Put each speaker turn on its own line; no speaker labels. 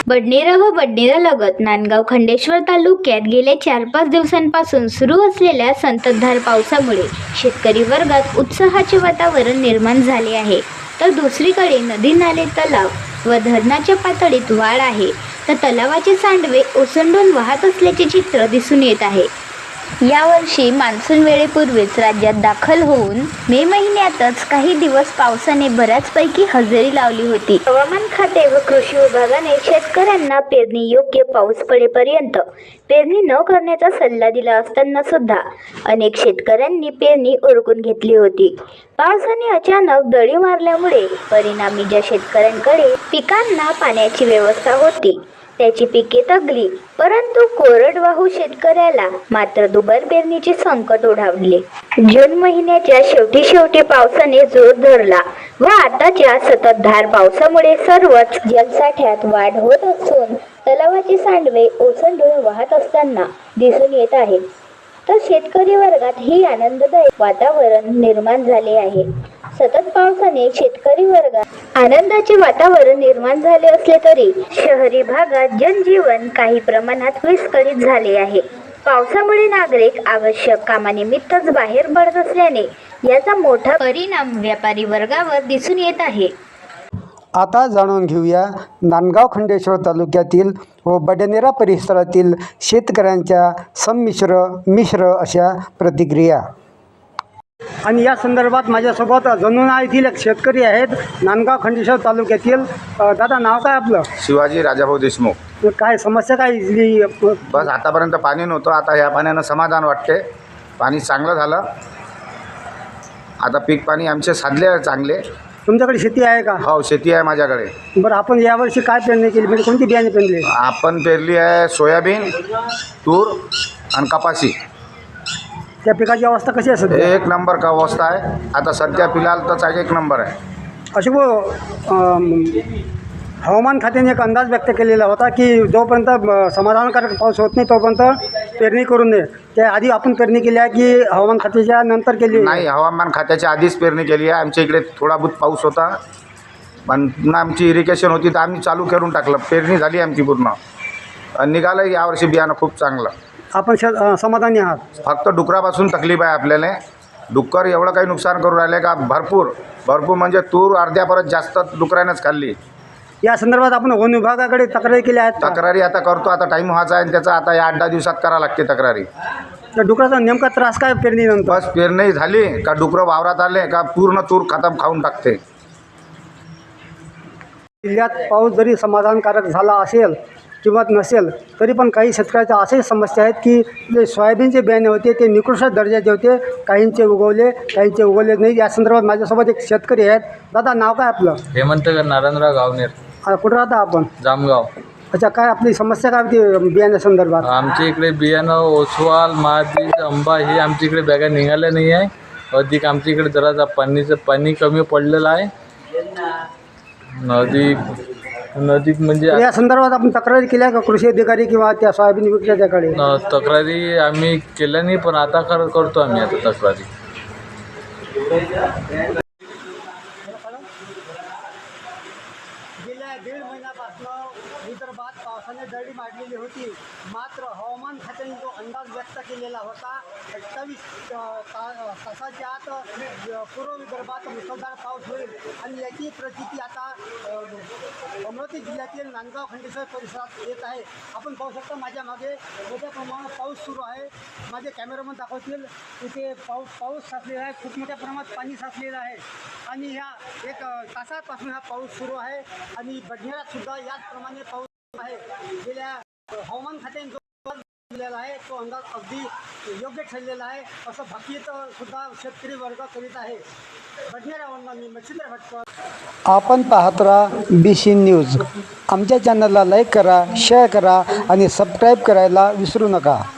बडनेरा व बडनेरालगत नांदगाव खंडेश्वर तालुक्यात गेल्या 4-5 दिवसांपासून सुरू असलेल्या संततधार पावसामुळे शेतकरी वर्गात उत्साहाचे वातावरण निर्माण झाले आहे। तर दुसरीकडे नदी नाले तलाव व धरणाच्या पातळीत वाढ आहे, तर तलावाचे सांडवे ओसंडून वाहत असल्याचे चित्र दिसून येत आहे। यावर्षी मान्सून वेळेपूर्वीच राज्यात दाखल होऊन मे महिन्यातच काही दिवस पावसाने बऱ्याचपैकी हजेरी लावली होती। हवामान खाते व कृषी विभागाने शेतकऱ्यांना पेरणी योग्य पाऊस पडेपर्यंत पेरणी न करण्याचा सल्ला दिला असताना सुद्धा अनेक शेतकऱ्यांनी पेरणी उरकून घेतली होती। पावसाने अचानक दडी मारल्यामुळे परिणामी ज्या शेतकऱ्यांकडे पिकांना पाण्याची व्यवस्था होती त्याची पिके तगली, परंतु कोरडवाहू शेतकऱ्याला मात्र दुबार पेरणीचे संकट ओढावले। जून महिन्याच्या शेवटी पावसाने जोर धरला व आताच्या सततधार पावसामुळे सर्वच जलसाठ्यात वाढ होत असून तलावाचे सांडवे ओसंडून वाहत असताना दिसून येत आहे। तर शेतकरी वर्गात ही आनंददायक वातावरण निर्माण झाले आहे। सतत पावसाने शेतकरी वर्गात आनंदाचे वातावरण निर्माण झाले असले तरी शहरी भागात जनजीवन काही प्रमाणात विस्कळीत झाले आहे। पावसामुळे नागरिक आवश्यक कामानिमित्तच बाहेर पडत असल्याने याचा मोठा परिणाम व्यापारी वर्गावर दिसून येत आहे।
आता जाणून घेऊया नांदगाव खंडेश्वर तालुक्यातील व बडनेरा परिसरातील शेतकऱ्यांच्या मिश्र अशा प्रतिक्रिया। आणि या संदर्भात माझ्यासोबत जणूना येथील एक शेतकरी आहेत नांदगाव खंडेश्वर तालुक्यातील। दादा, नाव काय आपलं?
शिवाजी राजाभाऊ देशमुख।
काय समस्या काय इथली?
बस आतापर्यंत पाणी नव्हतं, आता ह्या पाण्यानं समाधान वाटते। पाणी चांगलं झालं, आता पीक पाणी आमचे साधले चांगले।
तुमच्याकडे शेती आहे का?
हो, शेती आहे माझ्याकडे।
बरं, आपण यावर्षी काय पेरणी केली, म्हणजे कोणती बियाणे पेरली?
आपण पेरली आहे सोयाबीन, तूर आणि कपाशी।
त्या पिकाची अवस्था कशी आहे सध्या?
एक नंबर का अवस्था आहे आता सध्या, फिलहाल तर एक नंबर आहे।
अशी हवामान खात्याने एक अंदाज व्यक्त केलेला होता की जोपर्यंत समाधानकारक पाऊस होत नाही तोपर्यंत पेरणी करू नये। त्या आधी आपण पेरणी केली आहे की हवामान खात्याच्या नंतर केली?
नाही, हवामान खात्याच्या आधीच पेरणी केली आहे। आमच्या इकडे थोडा बहुत पाऊस होता, पण पुन्हा आमची इरिगेशन होती तर आम्ही चालू करून टाकलं। पेरणी झाली आमची पूर्ण, निघालं यावर्षी बियाणं खूप चांगलं।
आपण समाधानी आहात?
फक्त डुकरापासून तकलीफ आहे आपल्याला। डुक्कर एवढं काही नुकसान करून राहिले का भरपूर म्हणजे तूर अर्ध्यापर्यंत जास्त डुकरानंच खाल्ली।
या संदर्भात आपण वन विभागाकडे तक्रारी केल्या आहेत?
तक्रारी आता करतो, आता टाईम व्हायचा आहे त्याचा, आता या 8-10 दिवसात करा लागते तक्रारी।
तर डुकराचा नेमका त्रास काय पेरणीनंतर?
बस पेरणी झाली का डुकरं वावरात आले का पूर्ण तूर खतम खाऊन टाकते।
जिल्ह्यात पाऊस जरी समाधानकारक झाला असेल किंवा नसेल तरी पण काही शेतकऱ्याच्या अशाही समस्या आहेत की जे सोयाबीनचे बियाणे होते ते निकृष्ट दर्जाचे होते, काहींचे उगवले नाही। या संदर्भात माझ्यासोबत एक शेतकरी आहेत। दादा, नाव काय आपलं?
हेमंत नारायणराव गावनेर।
कुठं राहता आपण?
जामगाव।
अच्छा, काय आपली समस्या काय होती बियाण्या संदर्भात?
आमच्या इकडे बियाणं ओसवाल, महाबीज, आंबा हे आमच्या इकडे बॅगा निघाल्या नाही आहे। अधिक आमच्या इकडे जरा पाणी कमी पडलेलं आहे। नदीत म्हणजे
या संदर्भात आपण तक्रारी केल्या का कृषी अधिकारी किंवा त्या सोयाबीन विक्रेत्याकडे?
तक्रारी आम्ही केल्या नाही, पण आता करतो आम्ही आता तक्रारी।
गेल्या 1.5 महिन्यापासून विदर्भात पावसाने दडी मारलेली होती, मात्र हवामान खात्याने जो अंदाज व्यक्त केलेला होता 28 तासाच्या आत पूर्व विदर्भात मुसळधार पाऊस होईल आणि याची प्रचिती आता अमरावती जिल्ह्यातील नांदगाव खंडेश्वर परिसरात येत आहे। आपण पाहू शकता माझ्या मागे मोठ्या प्रमाणात पाऊस सुरू आहे। माझे कॅमेरामन दाखवतील तिथे पाऊस साचलेला आहे, खूप मोठ्या प्रमाणात पाणी साचलेलं आहे आणि ह्या 1 तासापासून हा पाऊस सुरू आहे आणि बडनेरात सुद्धा याचप्रमाणे पाऊस आहे। गेल्या हवामान खात्याने जो दिलेला आहे तो अंदाज अगदी योग्य ठरलेला आहे असं भाकीत सुद्धा शेतकरी वर्ग करीत आहे। बडनेरावरून मी मच्छिंद्र भटकर। आपण पाहत राहा BC न्यूज। आमच्या चॅनलला लाईक करा, शेअर करा आणि सबस्क्राईब करायला विसरू नका।